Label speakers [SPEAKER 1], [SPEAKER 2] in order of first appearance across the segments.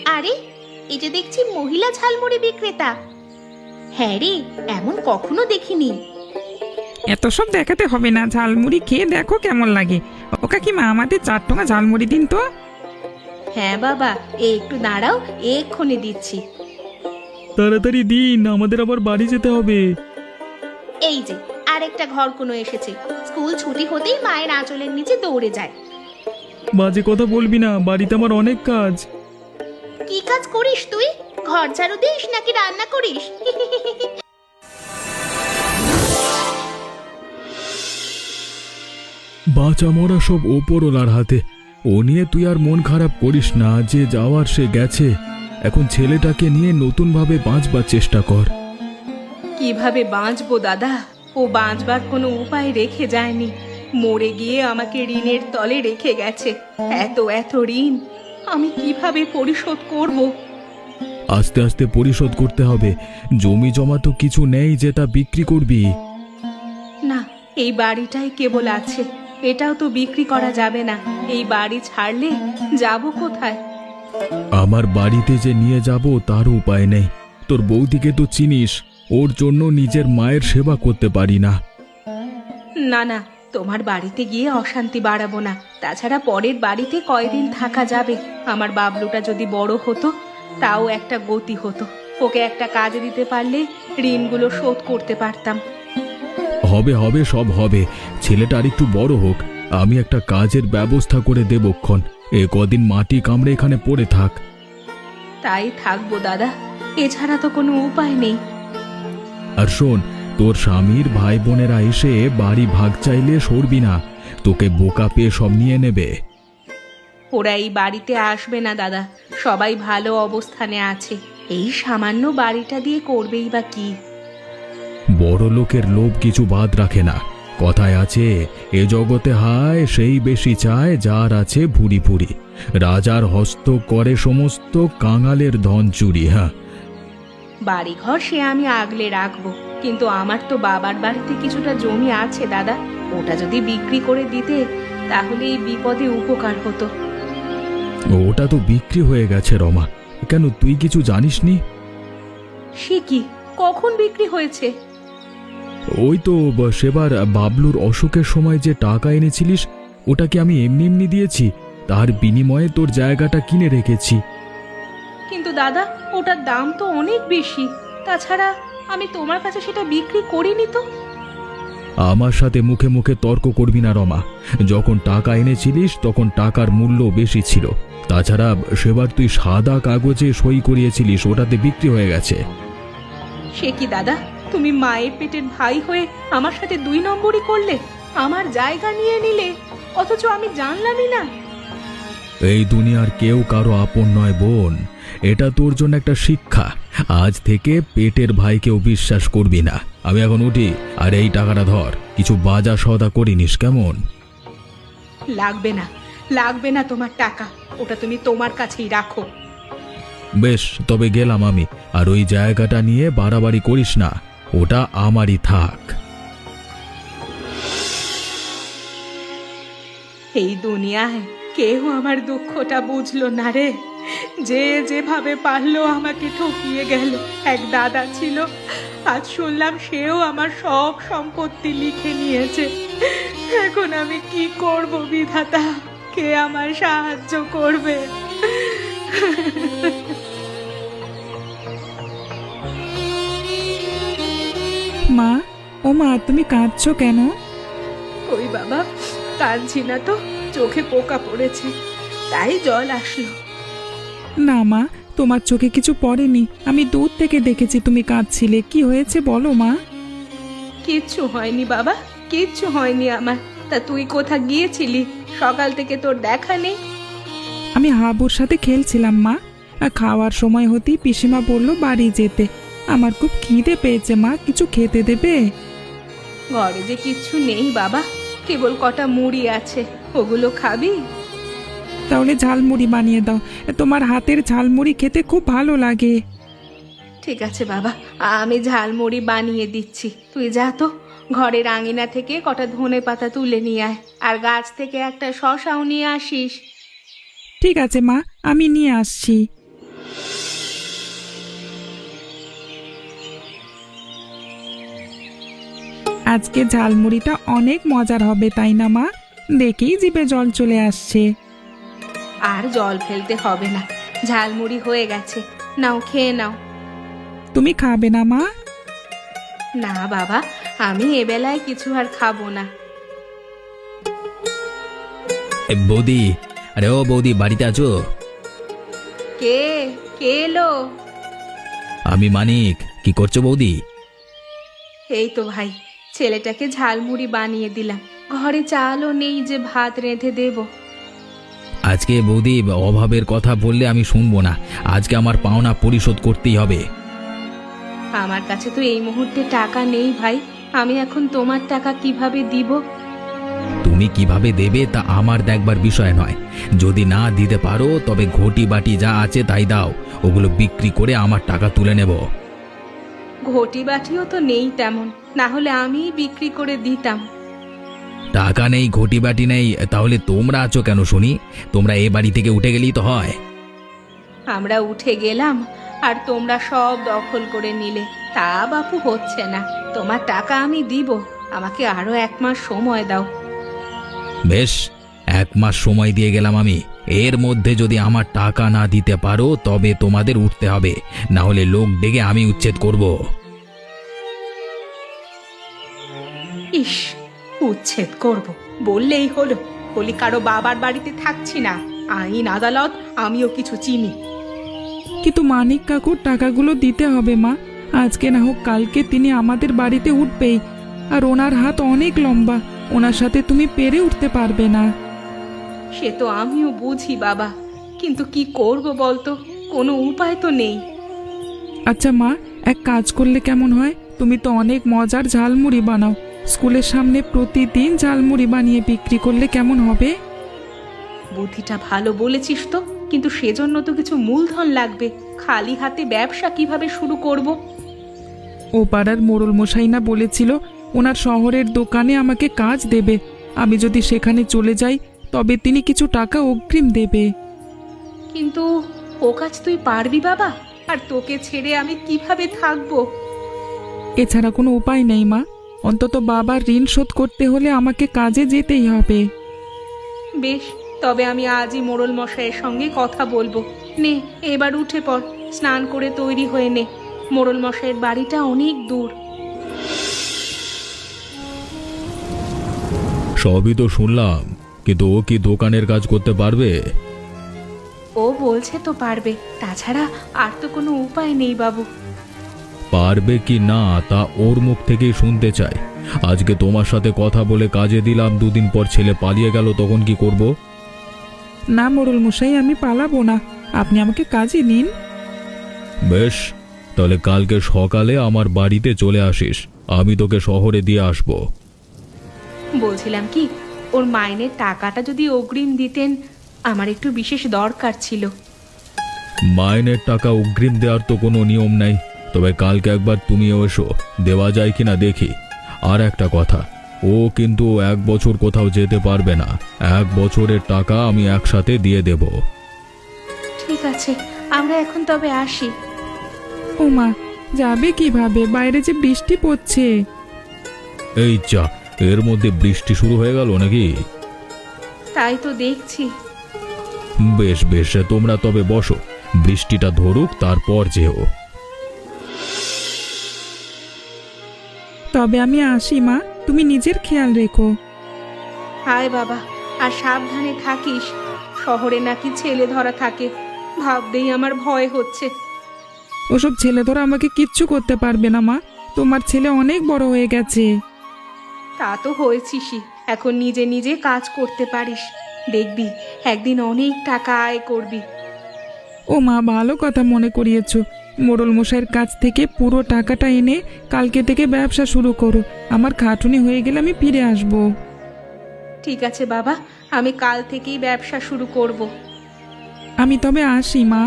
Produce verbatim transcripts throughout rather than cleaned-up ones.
[SPEAKER 1] আরে, এই যে দেখছি মহিলা ঝালমুড়ি বিক্রেতা। হ্যাঁ রে, এমন কখনো দেখিনি।
[SPEAKER 2] এত সব দেখাতে হবে না, ঝালমুড়ি খেয়ে দেখো কেমন লাগে। ও কাকিমা, আমাদের চার টাকা ঝালমুড়ি দিন তো।
[SPEAKER 1] হ্যাঁ বাবা, এই একটু দাঁড়াও, এক্ষুনি দিচ্ছি।
[SPEAKER 3] তাড়াতাড়ি দিন, আমাদের আবার বাড়ি যেতে হবে।
[SPEAKER 1] এই যে আরেকটা ঘর কোনো এসেছে, স্কুল ছুটি হতেই মায়ের আঁচলের নিচে দৌড়ে যায়।
[SPEAKER 3] বাজে কথা বলবি না, বাড়িতে আমার অনেক কাজ।
[SPEAKER 1] কি কাজ করিস তুই? ঘর ঝাড়ু দিস নাকি রান্না করিস?
[SPEAKER 3] বাঁচা মরা সব ওপরওয়ালার হাতে। ও নিয়ে তুই আর মন খারাপ করিস না, যে যাওয়ার সে গেছে। এখন ছেলেটাকে নিয়ে নতুনভাবে বাঁচবার চেষ্টা কর।
[SPEAKER 1] কিভাবে বাঁচবো দাদা? ও বাঁচবার কোনো উপায় রেখে যায়নি, মরে গিয়ে আমাকে ঋণের তলে রেখে গেছে। এত এত ঋণ আমি কিভাবে পরিশোধ করব?
[SPEAKER 3] আস্তে আস্তে পরিশোধ করতে হবে। জমি জমা তো কিছু নেই যেটা বিক্রি করবি।
[SPEAKER 1] না, এই বাড়িটাই কেবল আছে, এটাও তো বিক্রি করা যাবে না। এই বাড়ি ছাড়লে যাব কোথায়?
[SPEAKER 3] আমার বাড়িতে যে নিয়ে যাব তার উপায় নেই। তোর বৌদিকে তো চিনিস, ওর জন্য নিজের মায়ের সেবা করতে পারি না।
[SPEAKER 1] না না, তোমার বাড়িতে গিয়ে অশান্তি বাড়াবো না। তাছাড়া পরের বাড়িতে কয়দিন থাকা যাবে? আমার বাবলুটা যদি বড় হতো, তাও একটা গতি হতো। ওকে একটা কাজ দিতে পারলে ঋণগুলো শোধ করতে পারতাম।
[SPEAKER 3] হবে হবে, সব হবে। ছেলেটা আর একটু বড় হোক, আমি একটা কাজের ব্যবস্থা করে দেবক্ষণ। এ কদিন মাটি কামড়ে এখানে পড়ে থাক।
[SPEAKER 1] তাই থাকবো দাদা, এছাড়া তো কোনো উপায় নেই।
[SPEAKER 3] আর শোন, তোর স্বামীর ভাই বোনেরা এসে বাড়ি ভাগ চাইলে সরবি না, তোকে বোকা পেয়ে সব নিয়ে নেবে।
[SPEAKER 1] ওরা এই বাড়িতে আসবে না দাদা, সবাই ভালো অবস্থানে আছে। এই সামান্য বাড়িটা দিয়ে করবেই বা কি?
[SPEAKER 3] বড় লোকের লোভ কিছু বাদ রাখে না। কথায় আছে, এ জগতে হায় সেই বেশি চায় যার আছে ভুরি ভুরি। রাজার হস্ত করে সমস্ত, কাঙালের ধন চুরি। হ্যাঁ,
[SPEAKER 1] বাড়িঘর সে আমি আগলে রাখবো, কিন্তু আমার তো বাবার বাড়িতে কিছুটা জমি আছে দাদা। ওটা যদি বিক্রি করে দিতে, তাহলে এই বিপদে উপকার হতো।
[SPEAKER 3] ওটা তো বিক্রি হয়ে গেছে রমা। কেন, তুই কিছু জানিসনি?
[SPEAKER 1] সে কি, কখন বিক্রি হয়েছে?
[SPEAKER 3] ওই তো ব- সেবার বাবলুর অসুখের সময় যে টাকা এনেছিলিস, ওটাকে আমি এমনি এমনি দিয়েছি। তার বিনিময়ে তোর জায়গাটা কিনে রেখেছি।
[SPEAKER 1] কিন্তু দাদা, ওটার দাম তো অনেক বেশি। তাছাড়া আমি তোমার কাছে সেটা বিক্রি করিনি তো।
[SPEAKER 3] আমার সাথে মুখে মুখে তর্ক করবি না রমা। যখন টাকা এনেছিলিস তখন টাকার মূল্য বেশি ছিল। তাছাড়া সেবার তুই সাদা কাগজে সই করিয়েছিলিস, ওটাতে বিক্রি হয়ে গেছে।
[SPEAKER 1] সে কি দাদা, তুমি মায়ের পেটের ভাই হয়ে আমার সাথে দুই নম্বরই করলে? আমার জায়গা নিয়ে নিলে, অথচ আমি জানলামই না।
[SPEAKER 3] এই দুনিয়ার কেউ কারো আপন নয় বোন, এটা তোর জন্য একটা শিক্ষা। আজ থেকে পেটের ভাইকেও বিশ্বাস করবি না। আমি এখন উঠি, আর এই টাকাটা ধর, কিছু বাজার সওদা করে নিস কেমন?
[SPEAKER 1] লাগবে না, লাগবে না তোমার টাকা, ওটা তুমি তোমার কাছেই রাখো।
[SPEAKER 3] বেশ, তবে গেলাম আমি। আর ওই জায়গাটা নিয়ে বাড়াবাড়ি করিস না, ওটা আমারই থাক।
[SPEAKER 1] এই দুনিয়ায় কেউ আমার দুঃখটা বুঝলো না রে। যে যেভাবে পারলো আমাকে ঠকিয়ে গেল। এক দাদা ছিল, আজ শুনলাম সেও আমার সব সম্পত্তি লিখে নিয়েছে। এখন আমি কি করব বিধাতা? কে আমার সাহায্য করবে?
[SPEAKER 2] মা, ও মা, তুমি কাঁদছো কেন?
[SPEAKER 1] ওই বাবা, কাঁদছি না তো, চোখে পোকা পড়েছে, তাই জল আসলো।
[SPEAKER 2] না মা, তোমার চোখে কিছু পড়েনি। আমি দূর থেকে দেখেছি তুমি কাঁদছিলে। কি হয়েছে বলো মা।
[SPEAKER 1] কিচ্ছু হয়নি বাবা, কিচ্ছু হয়নি আমার। তা তুই কোথা গিয়েছিলি? সকাল থেকে তোর দেখা নেই।
[SPEAKER 2] আমি হাবুর সাথে খেলছিলাম মা। আর খাওয়ার সময় হতেই পিসিমা বলল বাড়ি যেতে। আমার খুব খিদে পেয়েছে মা, কিছু খেতে দেবে?
[SPEAKER 1] ঘরে যে কিচ্ছু নেই বাবা, কেবল কটা মুড়ি আছে, ওগুলো খাবি?
[SPEAKER 2] তাহলে ঝালমুড়ি বানিয়ে দাও, তোমার হাতের ঝালমুড়ি খেতে খুব ভালো লাগে।
[SPEAKER 1] ঠিক আছে বাবা, আমি ঝালমুড়ি বানিয়ে দিচ্ছি। তুই যা তো, ঘরের আঙিনা থেকে কটা ধনে পাতা তুলে নিয়ে আয়, আর গাছ থেকে একটা শসাও নিয়ে আসিস।
[SPEAKER 2] ঠিক আছে মা, আমি নিয়ে আসছি। আজকে ঝালমুড়িটা অনেক মজার হবে তাই না মা? দেখেই জিভে জল চলে আসছে।
[SPEAKER 1] আর জল ফেলতে হবে না, ঝালমুড়ি হয়ে গেছে, নাও খেয়ে নাও।
[SPEAKER 2] তুমি খাবে না মা?
[SPEAKER 1] না বাবা, আমি এবেলায় কিছু আর খাবো না।
[SPEAKER 3] এ, বৌদি, আরে ও বৌদি, বাড়িতে আছো?
[SPEAKER 1] কে কে এলো?
[SPEAKER 3] আমি মানিক। কি করছো বৌদি?
[SPEAKER 1] এই তো ভাই, ছেলেটাকে ঝালমুড়ি বানিয়ে দিলাম, ঘরে চালও নেই যে ভাত রেঁধে দেব।
[SPEAKER 3] আজকে বৌদি অভাবের কথা বললে আমি শুনবো না। আজকে আমার পাওনা পরিশোধ করতেই হবে।
[SPEAKER 1] আমার কাছে তো এই মুহূর্তে টাকা নেই ভাই, আমি এখন তোমার টাকা কিভাবে দিব?
[SPEAKER 3] তুমি কিভাবে দেবে তা আমার দেখবার বিষয় নয়। যদি না দিতে পারো তবে ঘটি বাটি যা আছে তাই দাও, ওগুলো বিক্রি করে আমার টাকা তুলে নেব।
[SPEAKER 1] ঘটি বাটিও তো নেই তেমন, না হলে আমিই বিক্রি করে দিতাম।
[SPEAKER 3] টাকা নেই, ঘটি বাটি নেই, তাহলে তোমরা আছো কেন শুনি? তোমরা এ বাড়ি থেকে উঠে গেলেই তো হয়।
[SPEAKER 1] আমরা উঠে গেলাম আর তোমরা সব দখল করে নিলে, তা বাপু হচ্ছে না। তোমার টাকা আমি দিব, আমাকে আরো এক মাস সময় দাও।
[SPEAKER 3] বেশ, এক মাস সময় দিয়ে গেলাম আমি। এর মধ্যে যদি আমার টাকা না দিতে পারো তবে তোমাদের উঠতে হবে, না হলে লোক ডেকে আমি উচ্ছেদ করব।
[SPEAKER 1] ইস, উচ্ছেদ করব বললেই হলো। বলি কারো বাবার বাড়িতে থাকছি না, আইন আদালত আমিও কিছু চিনি।
[SPEAKER 2] কিন্তু মানিক কাকুর টাকাগুলো দিতে হবে মা। আজকে না হোক কালকে তিনি আমাদের বাড়িতে উঠবেই, আর ওনার হাত অনেক লম্বা, ওনার সাথে তুমি পেরে উঠতে পারবে না।
[SPEAKER 1] সে তো আমিও বুঝি বাবা, কিন্তু কি করব বলতো, কোনো উপায় তো নেই।
[SPEAKER 2] আচ্ছা মা, এক কাজ করলে কেমন হয়? তুমি তো অনেক মজার ঝালমুড়ি বানাও, স্কুলের সামনে প্রতিদিন ঝালমুড়ি বানিয়ে বিক্রি করলে কেমন হবে?
[SPEAKER 1] বুদ্ধিটা ভালো বলেছিস তো, কিন্তু সেজন্য তো কিছু মূলধন লাগবে। খালি হাতে ব্যবসা কিভাবে শুরু করব?
[SPEAKER 2] ও পাড়ার মোড়ল মশাই না বলেছিল ওনার শহরের দোকানে আমাকে কাজ দেবে, আমি যদি সেখানে চলে যাই তবে তিনি কিছু টাকা অগ্রিম দেবে।
[SPEAKER 1] কিন্তু ও কাজ তুই পারবি বাবা? আর তোকে ছেড়ে আমি কিভাবে থাকবো?
[SPEAKER 2] এছাড়া কোনো উপায় নেই মা, অন্তত বাবার ঋণ শোধ করতে হলে আমাকে কাজে যেতেই হবে।
[SPEAKER 1] বেশ, তবে আমি আজই মোড়ল মশাইয়ের সঙ্গে কথা বলবো। নে এবার উঠে পড়, স্নান করে তৈরি হয়ে নে, মোড়ল মশাইয়ের বাড়িটা অনেক দূর।
[SPEAKER 3] সবই তো শুনলাম, কিন্তু ও কি দোকানের কাজ করতে পারবে?
[SPEAKER 1] ও বলছে তো পারবে, তাছাড়া আর তো কোনো উপায় নেই বাবু।
[SPEAKER 3] পারবে কি না তা ওর মুখ থেকেই শুনতে চাই। আজকে তোমার সাথে কথা বলে কাজে দিলাম, দুদিন পর ছেলে পালিয়ে গেল, তখন কি করব?
[SPEAKER 2] না মোড়ল মশাই, আমি পালাবো না, আপনি আমাকে কাজে নিন।
[SPEAKER 3] বেশ, তাহলে কালকে সকালে আমার বাড়িতে চলে আসিস, আমি তোকে শহরে দিয়ে আসব।
[SPEAKER 1] বলছিলাম কি, ওর মাইনের টাকাটা যদি অগ্রিম দিতেন, আমার একটু বিশেষ দরকার ছিল।
[SPEAKER 3] মাইনের টাকা অগ্রিম দেওয়ার তো কোনো নিয়ম নেই, তবে কালকে একবার তুমিও এসো, দেওয়া যায় কিনা দেখি। আর একটা কথা, ও কিন্তু এক বছর কোথাও যেতে পারবে না, এক বছরের টাকা আমি একসাথে দিয়ে দেব।
[SPEAKER 1] ঠিক আছে, আমরা এখন তবে আসি।
[SPEAKER 2] ও মা, যাবে কিভাবে? বাইরে যে বৃষ্টি পড়ছে।
[SPEAKER 3] এই যা, এর মধ্যে বৃষ্টি শুরু হয়ে গেল নাকি?
[SPEAKER 1] তাই তো দেখছি।
[SPEAKER 3] বেশ বেশ, তোমরা তবে বসো, বৃষ্টিটা ধরুক তারপর যেও।
[SPEAKER 2] তবে আমি আসি মা, তুমি নিজের খেয়াল রেখো।
[SPEAKER 1] হায় বাবা, আর সাবধানে থাকিস। শহরে নাকি ছেলে ধরা থাকে, ভাবতেই আমার ভয় হচ্ছে।
[SPEAKER 2] ওসব ছেলে ধরা আমাকে কিচ্ছু করতে পারবে না মা, তোমার ছেলে অনেক বড় হয়ে গেছে।
[SPEAKER 1] তা তো হয়েছিসই, এখন নিজে নিজে কাজ করতে পারিস, দেখবি একদিন অনেক টাকা আয় করবি।
[SPEAKER 2] ও মা, ভালো কথা মনে করিয়েছো। মোড়ল মশাইয়ের কাছ থেকে পুরো টাকাটা এনে কালকে থেকে ব্যবসা শুরু করো, আমার খাটুনি হয়ে গেলে আমি ফিরে আসব।
[SPEAKER 1] ঠিক আছে বাবা, আমি কাল থেকেই ব্যবসা শুরু করব।
[SPEAKER 2] আমি তবে আসি মা।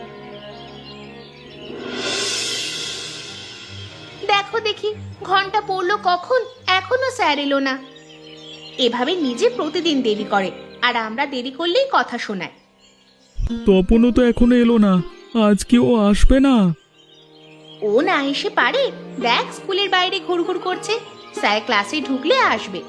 [SPEAKER 4] দেখো দেখি, ঘন্টা পড়লো কখন, এখনো স্যার এলো না। এভাবে নিজে প্রতিদিন দেরি করে, আর আমরা দেরি করলেই কথা শোনায়।
[SPEAKER 3] তপনও তো এখনো এলো না, আজকে ও আসবে না?
[SPEAKER 4] ও না এসে পারে? দেখ স্কুলের বাইরে ঘুরঘুর করছে, স্যার ক্লাসে ঢুকলে আসবে।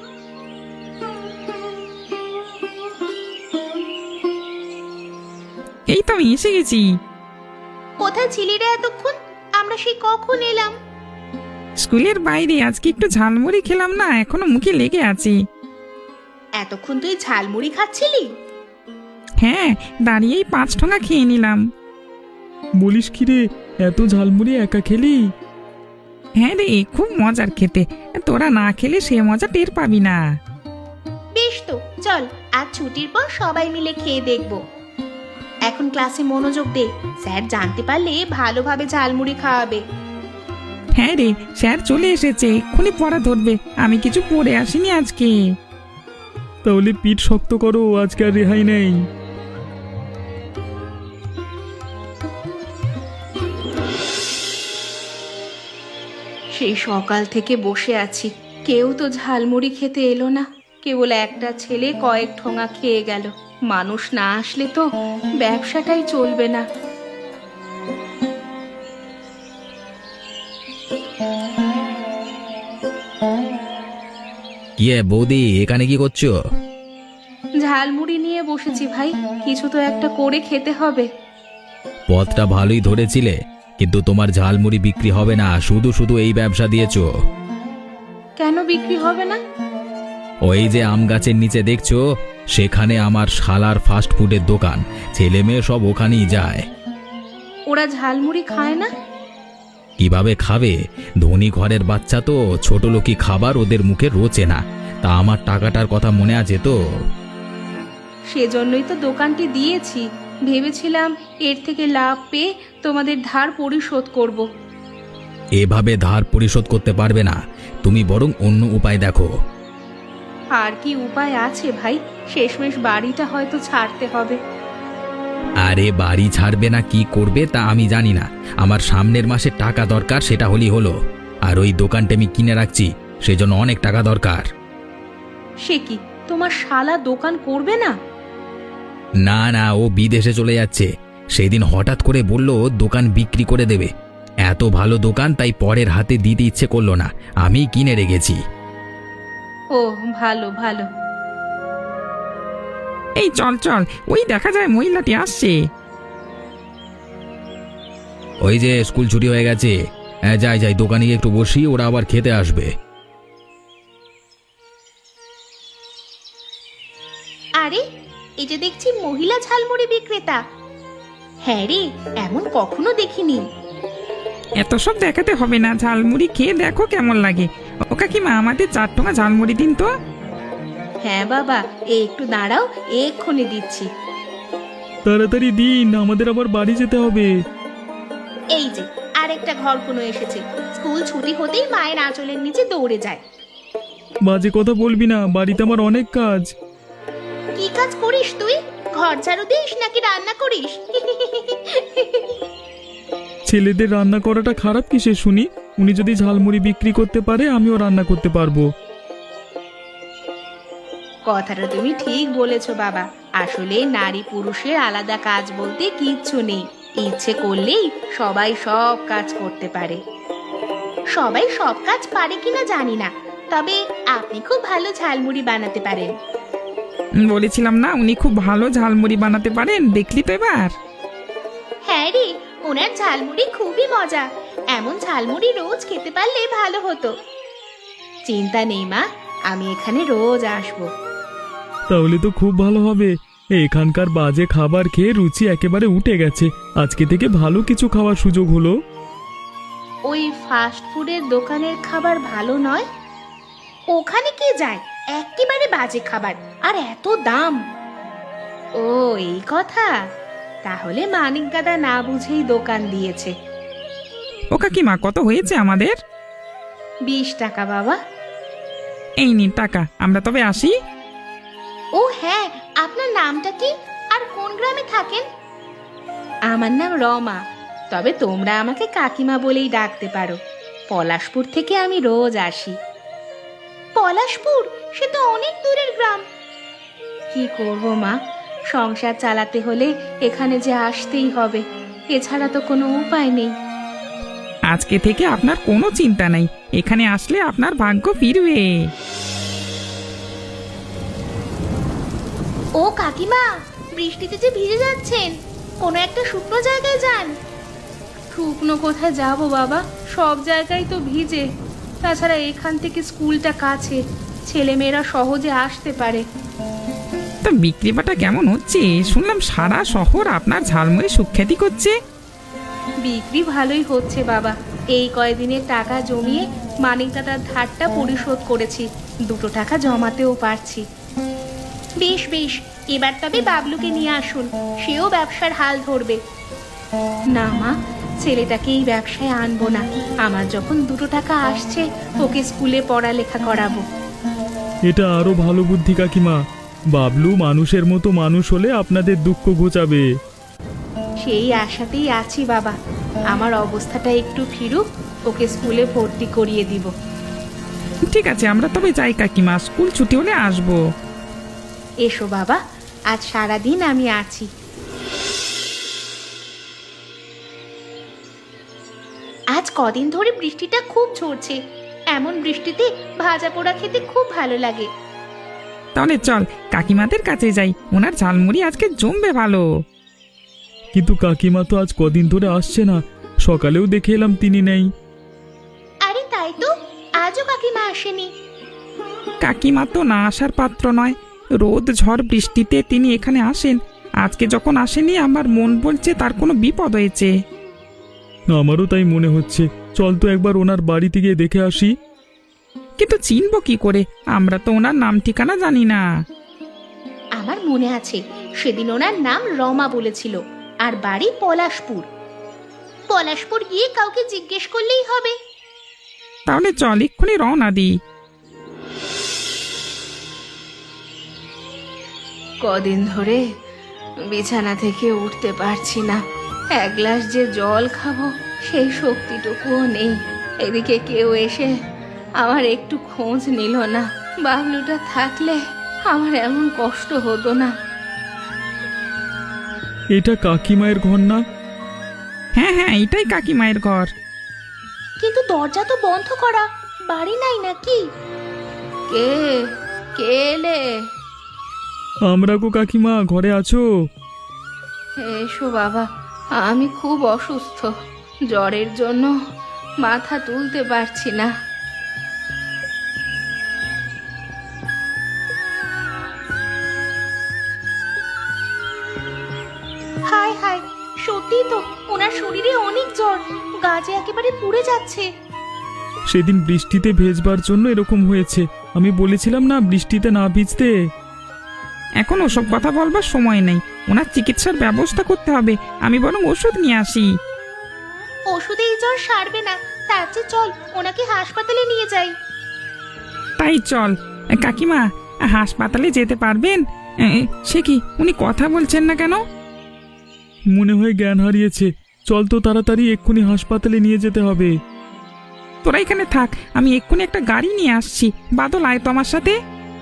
[SPEAKER 2] এই তো আমি এসে গেছি।
[SPEAKER 4] কোথায় ছিলি রে এতক্ষণ? আমরা সেই কখন এলাম।
[SPEAKER 2] স্কুলের বাইরে আজকে একটু ঝালমুড়ি খেলাম না, এখনো মুখে লেগে আছে।
[SPEAKER 4] এতক্ষণ তুই ঝালমুড়ি খাচ্ছিলি?
[SPEAKER 2] হ্যাঁ, দাঁড়িয়েই পাঁচ ঠোঙা খেয়ে নিলাম।
[SPEAKER 5] বলিস কি রে, এত ঝালমুড়ি একা খেলি?
[SPEAKER 2] হ্যাঁ রে, খুব মজার খেতে। তোরা না খেলে সে মজা টের পাবি না।
[SPEAKER 4] বেশ তো, চল আজ ছুটির পর সবাই মিলে খেয়ে দেখব। এখন ক্লাসে মনোযোগ দে, স্যার জানতে পারলে ভালোভাবে ঝালমুড়ি খাওয়াবে।
[SPEAKER 2] হ্যাঁ রে, স্যার চলে এসেছে, এক্ষুনি পড়া ধরবে। আমি কিছু পড়ে আসিনি আজকে।
[SPEAKER 5] তাহলে পিঠ শক্ত করো, আজকে আর রেহাই নেই।
[SPEAKER 1] সেই সকাল থেকে বসে আছি, কেউ তো ঝালমুড়ি খেতে এলো না। কেবল একটা ছেলে কয়েক ঠোঙা খেয়ে গেল। মানুষ না আসলে তো ব্যবসাটাই চলবে না।
[SPEAKER 3] কি এ বৌদি, এখানে কি করছো?
[SPEAKER 1] ঝালমুড়ি নিয়ে বসেছি ভাই, কিছু তো একটা করে খেতে হবে।
[SPEAKER 3] পথটা ভালোই ধরেছিলে, কিন্তু তোমার ঝালমুড়ি বিক্রি হবে না, শুধু শুধু এই ব্যবসা দিয়েছো।
[SPEAKER 1] কেন বিক্রি হবে না?
[SPEAKER 3] ওই যে আম গাছের নিচে দেখছো, সেখানে আমার শালার ফাস্ট ফুডের দোকান। ছেলে মেয়ে সব ওখানেই যায়।
[SPEAKER 1] ওরা ঝালমুড়ি খায় না?
[SPEAKER 3] কিভাবে খাবে? ধনী ঘরের বাচ্চা তো, ছোট লোকি খাবার ওদের মুখে রোচে না। তা আমার টাকাটার কথা মনে আছে তো?
[SPEAKER 1] সেজন্যই তো দোকানটি দিয়েছি। ভেবেছিলাম এর থেকে লাভ পেয়ে তোমাদের ধার পরিশোধ করব।
[SPEAKER 3] এভাবে ধার পরিশোধ করতে পারবে না, তুমি বরং অন্য উপায় দেখো।
[SPEAKER 1] আর কি উপায় আছে ভাই? শেষমেশ বাড়িটা হয়তো ছাড়তে হবে।
[SPEAKER 3] আরে বাড়ি ছাড়বে না কি করবে তা আমি জানি না, আমার সামনের মাসে টাকা দরকার, সেটা হলেই হলো। আর ওই দোকানটা আমি কিনে রাখছি, সেজন্য অনেক টাকা দরকার।
[SPEAKER 1] সে কি, তোমার শালা দোকান করবে না?
[SPEAKER 3] না না, ও বিদেশে চলে যাচ্ছে। সেদিন হঠাৎ করে বলল দোকান বিক্রি করে দেবে। এত ভালো দোকান, তাই পরের হাতে দিতে ইচ্ছে করলো না, আমি কিনে রেখেছি।
[SPEAKER 1] ও ভালো ভালো।
[SPEAKER 2] এই চল চল, ওই দেখা যায় মহিলাটি আসছে।
[SPEAKER 3] ওই যে স্কুল ছুটি হয়ে গেছে, হ্যাঁ যাই যাই, দোকানে গিয়ে একটু বসি, ওরা আবার খেতে আসবে।
[SPEAKER 4] আরে, এই যে দেখছি মহিলা ঝালমুড়ি বিক্রেতা। হ্যাঁ রে, এমন কখনো দেখিনি।
[SPEAKER 2] এত সব দেখাতে হবে না, ঝালমুড়ি খেয়ে দেখো কেমন লাগে। ও কাকিমা, আমাদের চার ঠোঙা ঝালমুড়ি দিন তো।
[SPEAKER 1] হ্যাঁ বাবা, এ একটু দাঁড়াও, এক্ষুনি দিচ্ছি।
[SPEAKER 5] তাড়াতাড়ি দিন, আমাদের আবার বাড়ি যেতে হবে।
[SPEAKER 4] এই যে আরেকটা ঘর কোনো এসেছে, স্কুল ছুটি হতেই মায়ের আঁচলের নিচে দৌড়ে যায়।
[SPEAKER 5] বাজে কথা বলবি না, বাড়িতে আমার অনেক কাজ।
[SPEAKER 4] কি কাজ করিস তুই? ঘর ঝাড়ু দিস নাকি রান্না করিস?
[SPEAKER 5] ছেলেদের রান্না করাটা খারাপ কিসে শুনি? উনি যদি ঝালমুড়ি বিক্রি করতে পারে, আমিও রান্না করতে পারবো।
[SPEAKER 1] কথাটা তুমি ঠিক বলেছো বাবা। আসলে নারী পুরুষের আলাদা কাজ বলতে কিচ্ছু নেই। ইচ্ছে করলেই সবাই সব কাজ করতে পারে।
[SPEAKER 4] সবাই সব কাজ পারে কিনা জানি না, তবে আপনি খুব ভালো ঝালমুড়ি বানাতে পারেন।
[SPEAKER 2] বলেছিলাম না, উনি খুব ভালো ঝালমুড়ি বানাতে পারেন, দেখলি তো এবার।
[SPEAKER 4] হ্যাঁ রে, ওনার ঝালমুড়ি খুবই মজা। এমন ঝালমুড়ি রোজ খেতে পারলে ভালো হতো।
[SPEAKER 1] চিন্তা নেই মা, আমি এখানে রোজ আসবো।
[SPEAKER 5] তাহলে তো খুব ভালো হবে। এখানকার বাজে খাবার খেয়ে রুচি একেবারে উঠে গেছে। আজকে থেকে ভালো কিছু খাওয়ার সুযোগ হলো।
[SPEAKER 1] ওই ফাস্ট ফুডের দোকানের খাবার ভালো নয়?
[SPEAKER 4] ওখানে কে যায়? একেবারে বাজে খাবার, আর এত দাম।
[SPEAKER 1] ও এই কথা, তাহলে মানিক দাদা না বুঝেই দোকান দিয়েছে।
[SPEAKER 2] ও কাকিমা, কত হয়েছে আমাদের?
[SPEAKER 1] বিশ টাকা বাবা।
[SPEAKER 2] এই নিন টাকা, আমরা তবে আসি।
[SPEAKER 4] ও হ্যাঁ, আপনার নামটা কি আর কোন গ্রামে থাকেন?
[SPEAKER 1] আমার নাম রমা, তবে তোমরা আমাকে কাকিমা বলেই ডাকতে পারো। পলাশপুর থেকে আমি রোজ আসি।
[SPEAKER 4] পলাশপুর? সে তো অনেক দূরের গ্রাম।
[SPEAKER 1] কি করব মা, সংসার চালাতে হলে এখানে যে আসতেই হবে, এছাড়া তো কোনো উপায় নেই।
[SPEAKER 2] আজকে থেকে আপনার কোনো চিন্তা নাই, এখানে আসলে আপনার ভাগ্য ফিরবে।
[SPEAKER 4] ও কাকিমা, বৃষ্টিতে যে ভিজে যাচ্ছেন, কোনো একটা শুকনো জায়গায় যান। শুকনো কোথায় যাব বাবা, সব জায়গায় তো ভিজে। তাছাড়া এখান থেকে স্কুলটা কাছে, ছেলেমেয়েরা সহজে আসতে পারে।
[SPEAKER 2] তা বিক্রি বাটা কেমন হচ্ছে? শুনলাম সারা শহর আপনার ঝালমুড়ি সুখ্যাতি করছে।
[SPEAKER 4] বিক্রি ভালোই হচ্ছে বাবা। এই কয়দিনের টাকা জমিয়ে মানিক দাদার ধারটা পরিশোধ করেছি, দুটো টাকা জমাতেও পারছি। বেশ বেশ, এবার তবে বাবলুকে নিয়ে আসুন, সেও ব্যবসার হাল ধরবে। না মা, ছেলেটাকে এই ব্যবসায় আনবো না। আমার যখন দুটো টাকা আসছে, ওকে স্কুলে পড়ালেখা করাবো।
[SPEAKER 5] এটা আরো ভালো বুদ্ধি কাকিমা। বাবলু মানুষের মতো মানুষ হলে আপনাদের দুঃখ ঘোচাবে।
[SPEAKER 4] সেই আশাতেই আছি বাবা। আমার অবস্থাটা একটু ফিরুক, ওকে স্কুলে ভর্তি করিয়ে দিব।
[SPEAKER 2] ঠিক আছে, আমরা তবে যাই কাকিমা, স্কুল ছুটি হলে আসবো।
[SPEAKER 4] এসো বাবা, আজ সারাদিন আমি আছি। আজ কদিন ধরে বৃষ্টিটা খুব ঝরছে। এমন বৃষ্টিতে ভাজা পোড়া খেতে খুব ভালো লাগে।
[SPEAKER 2] তাহলে চল কাকিমাদের কাছে যাই, ওনার ঝালমুড়ি আজকে জমবে ভালো।
[SPEAKER 5] কিন্তু কাকিমা তো আজ কদিন ধরে আসছে না, সকালেও দেখে এলাম তিনি নেই।
[SPEAKER 4] আরে তাই তো, আজও কাকিমা আসেনি।
[SPEAKER 2] কাকিমা তো না আসার পাত্র নয়, রোদ ঝড় বৃষ্টিতে তিনি এখানে আসেন। আজকে যখন আসেনি, আমার মন বলছে তার কোনো বিপদ হয়েছে।
[SPEAKER 5] আমারও তাই মনে হচ্ছে। চল তো একবার ওনার বাড়িতে গিয়ে দেখে আসি।
[SPEAKER 2] কিন্তু চিনব কি করে? আমরা তো ওনার নাম ঠিকানা জানি না।
[SPEAKER 4] আমার মনে আছে, সেদিন ওনার নাম রমা বলেছিল, আর বাড়ি পলাশপুর। পলাশপুর গিয়ে কাউকে জিজ্ঞেস করলেই হবে।
[SPEAKER 2] তাহলে চল এক্ষুনি রওনা দিই।
[SPEAKER 4] কদিন ধরে বিছানা থেকে উঠতে পারছি না। এক গ্লাস যে জল খাবো, সেই শক্তিটুকুও নেই। এদিকে কেউ এসে আমার একটু খোঁজ নিল না। বাবলুটা থাকলে আমার এমন কষ্ট হতো না।
[SPEAKER 5] এটা কাকিমায়ের ঘর না?
[SPEAKER 2] হ্যাঁ হ্যাঁ, এটাই কাকিমায়ের ঘর।
[SPEAKER 4] কিন্তু দরজা তো বন্ধ করা, বাড়ি নাই নাকি? কে কে এলে?
[SPEAKER 5] আমরা গো কাকিমা, ঘরে আছো?
[SPEAKER 4] এসো বাবা, আমি খুব অসুস্থ। জ্বরের জন্য মাথা তুলতে পারছি না। হায় হায়, সত্যি তো, ওনার শরীরে অনেক জ্বর, গা যে একেবারে পুড়ে যাচ্ছে।
[SPEAKER 5] সেদিন বৃষ্টিতে ভেজবার জন্য এরকম হয়েছে। আমি বলেছিলাম না বৃষ্টিতে না ভিজতে।
[SPEAKER 2] এখন ওসব কথা বলবার সময় নেই, ওনার চিকিৎসার ব্যবস্থা করতে হবে। আমি বরং ওষুধ নিয়ে আসি।
[SPEAKER 4] ওষুধে এই জ্বর সারবে না, তার চেয়ে চল ওনাকে হাসপাতালে নিয়ে যাই।
[SPEAKER 2] তাই চল। কাকিমা, হাসপাতালে যেতে পারবেন? এ, সে কি, উনি কথা বলছেন না কেন?
[SPEAKER 5] মনে হয় জ্ঞান হারিয়েছে। চল তো তাড়াতাড়ি, এক্ষুনি হাসপাতালে নিয়ে যেতে হবে।
[SPEAKER 2] তোরা এখানে থাক, আমি এক্ষুনি একটা গাড়ি নিয়ে আসছি। বাদল, আয় তো আমার সাথে।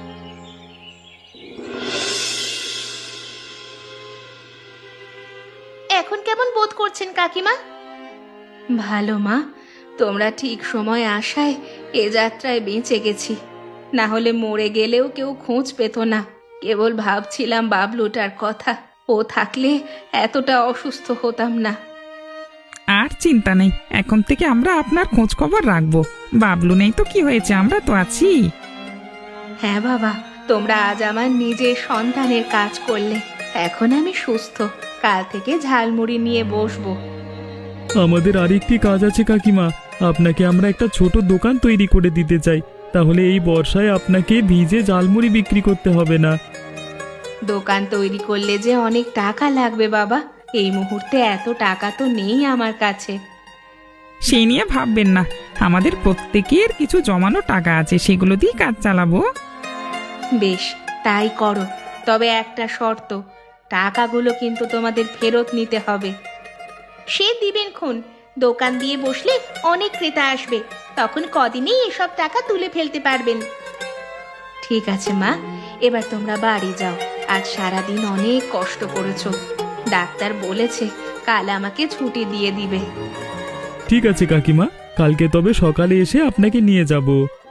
[SPEAKER 4] এখন কেমন বোধ করছেন কাকিমা? ভালো মা, তোমরা ঠিক সময় আসায় এ যাত্রায় বেঁচে গেছি। না হলে মরে গেলেও কেউ খোঁজ পেত না। কেবল ভাবছিলাম বাবলুটার কথা, ও থাকলে এতটা অসুস্থ হতাম না।
[SPEAKER 2] আর চিন্তা নেই, এখন থেকে আমরা আপনার খোঁজ খবর রাখবো। বাবলু নেই তো কি হয়েছে, আমরা তো আছি।
[SPEAKER 4] হ্যাঁ বাবা, তোমরা আজ আমার নিজের সন্তানের কাজ করলে। এখন আমি সুস্থ, কাল থেকে ঝালমুড়ি নিয়ে বসবো।
[SPEAKER 5] আমাদের আরেকটি কাজ আছে কাকিমা। আপনাকে আমরা একটা ছোট দোকান তৈরি করে দিতে চাই। তাহলে এই বর্ষায় আপনাকে ভিজে ঝালমুড়ি বিক্রি করতে হবে না।
[SPEAKER 4] দোকান তৈরি করলে যে অনেক টাকা লাগবে বাবা, এই মুহূর্তে এত টাকা তো নেই আমার কাছে।
[SPEAKER 2] সেই নিয়ে ভাববেন না, আমাদের প্রত্যেকের কিছু জমানো টাকা আছে, সেগুলো দিয়ে কাজ চালাবো।
[SPEAKER 4] বেশ, তাই করো। তবে একটা শর্ত, টাকাগুলো কিন্তু তোমাদের ফেরত নিতে হবে। সে দিবেন খুন, দোকান দিয়ে বসলে অনেক ক্রেতা আসবে, তখন কদিনেই এসব টাকা তুলে ফেলতে পারবেন। ঠিক আছে মা, এবার তোমরা বাড়ি যাও। আজ সারাদিন অনেক কষ্ট করেছো। ডাক্তার বলেছে কাল আমাকে ছুটি দিয়ে দিবে।
[SPEAKER 5] ঠিক আছে কাকিমা, কালকে তবে সকালে এসে আপনাকে নিয়ে যাব।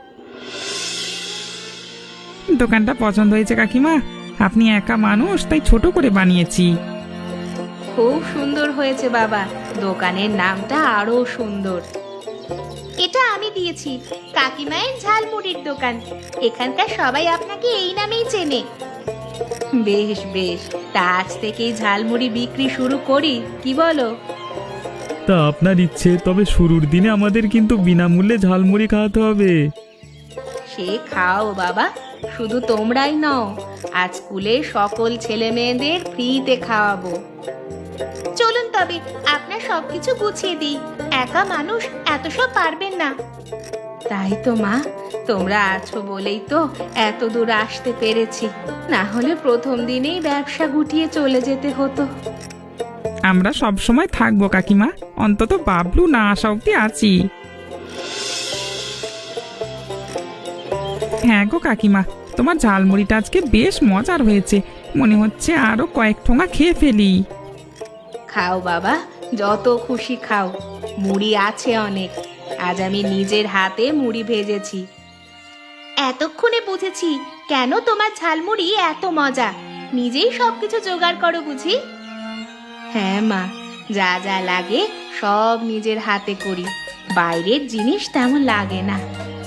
[SPEAKER 2] দোকানটা পছন্দ হয়েছে কাকিমা? আপনি একা মানুষ, তাই ছোট করে বানিয়েছি।
[SPEAKER 4] খুব সুন্দর হয়েছে বাবা, দোকানের নামটা আরো সুন্দর। এটা আমি দিয়েছি, কাকিমায়ের ঝালমুড়ির দোকান। এখানকার সবাই আপনাকে এই নামেই চেনে। বেশ বেশ, তা আজ থেকেই ঝালমুড়ি বিক্রি শুরু করি, কি বলো?
[SPEAKER 5] তা আপনার ইচ্ছে, তবে শুরুর দিনে আমাদের কিন্তু বিনামূল্যে ঝালমুড়ি খাওয়াতে হবে।
[SPEAKER 4] সে খাও বাবা, শুধু তোমরাই নও, আজ স্কুলে সকল ছেলে মেয়েদের ফ্রিতে খাওয়াবো। চলুন তবে আপনার সবকিছু গুছিয়ে দিই, একা মানুষ এত সব পারবেন না। তাই তো মা, তোমরা আছো বলেই তো এত দূর আসতে পেরেছি, না হলে প্রথম দিনেই ব্যবসা গুটিয়ে চলে যেতে হতো।
[SPEAKER 2] আমরা সব সময় থাকবো কাকিমা, অন্তত বাবলু না আসা অব্দি আছি। হ্যাঁ গো কাকিমা, তোমার ঝালমুড়িটা আজকে বেশ মজার হয়েছে, মনে হচ্ছে আরো কয়েক ঠোঙা খেয়ে ফেলি।
[SPEAKER 4] খাও বাবা, যত খুশি খাও, মুড়ি আছে অনেক, আজ আমি নিজের হাতে মুড়ি ভেজেছি। এতক্ষণে বুঝেছি কেন তোমার ঝালমুড়ি এত মজা, নিজেই সবকিছু জোগাড় করো বুঝি? হ্যাঁ মা, যা যা লাগে সব নিজের হাতে করি, বাইরের জিনিস তেমন লাগে না।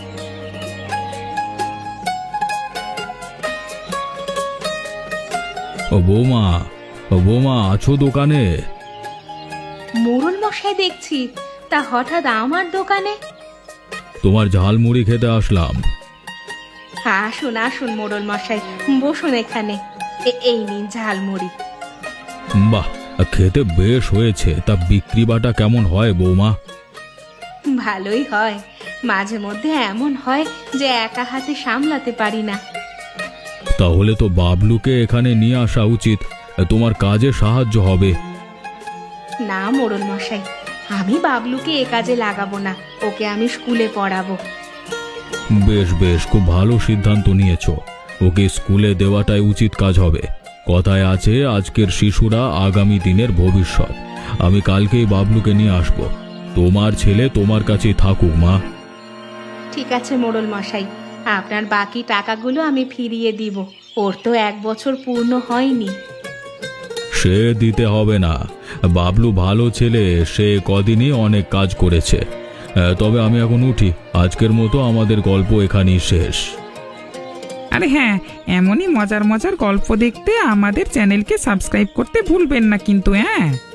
[SPEAKER 3] ও বৌমা, ও বৌমা, আছো দোকানে?
[SPEAKER 4] মোড়ল মশাই দেখছি, তা হঠাৎ আমার দোকানে?
[SPEAKER 3] তোমার ঝালমুড়ি খেতে আসলাম।
[SPEAKER 4] আসুন আসুন মোড়ল মশাই, বসুন এখানে, এ- এই নিন ঝালমুড়ি।
[SPEAKER 3] বাহ, খেতে বেশ হয়েছে। তা বিক্রি বাটা কেমন হয় বৌমা?
[SPEAKER 4] ভালোই হয়, মাঝে মধ্যে এমন হয় যে একা হাতে সামলাতে পারি না।
[SPEAKER 3] তাহলে তো বাবলুকে এখানে নিয়ে আসা উচিত, তোমার কাজে সাহায্য হবে।
[SPEAKER 4] না মোড়ল মশাই, আমি বাবলুকে এ কাজে লাগাবো না, ওকে আমি স্কুলে পড়াবো।
[SPEAKER 3] বেশ বেশ, খুব ভালো সিদ্ধান্ত নিয়েছো। ওকে স্কুলে দেওয়াটাই উচিত কাজ হবে। কথায় আছে, আজকের শিশুরা আগামী দিনের ভবিষ্যৎ। আমি কালকেই বাবলুকে নিয়ে আসব। তোমার ছেলে তোমার কাছেই থাকুক মা।
[SPEAKER 4] ঠিক আছে মোড়ল মশাই, আপনার বাকি টাকাগুলো আমি ফিরিয়ে দিব, ওর তো এক বছর পূর্ণ হয়নি।
[SPEAKER 3] সে দিতে হবে না, বাবলু ভালো ছেলে, সে কদিনই অনেক কাজ করেছে। আহ, তবে আমি এখন উঠি, আজকের মতো আমাদের গল্প এখানেই শেষ।
[SPEAKER 2] আরে হ্যাঁ, এমনই মজার মজার গল্প দেখতে আমাদের চ্যানেলকে সাবস্ক্রাইব করতে ভুলবেন না কিন্তু। হ্যাঁ।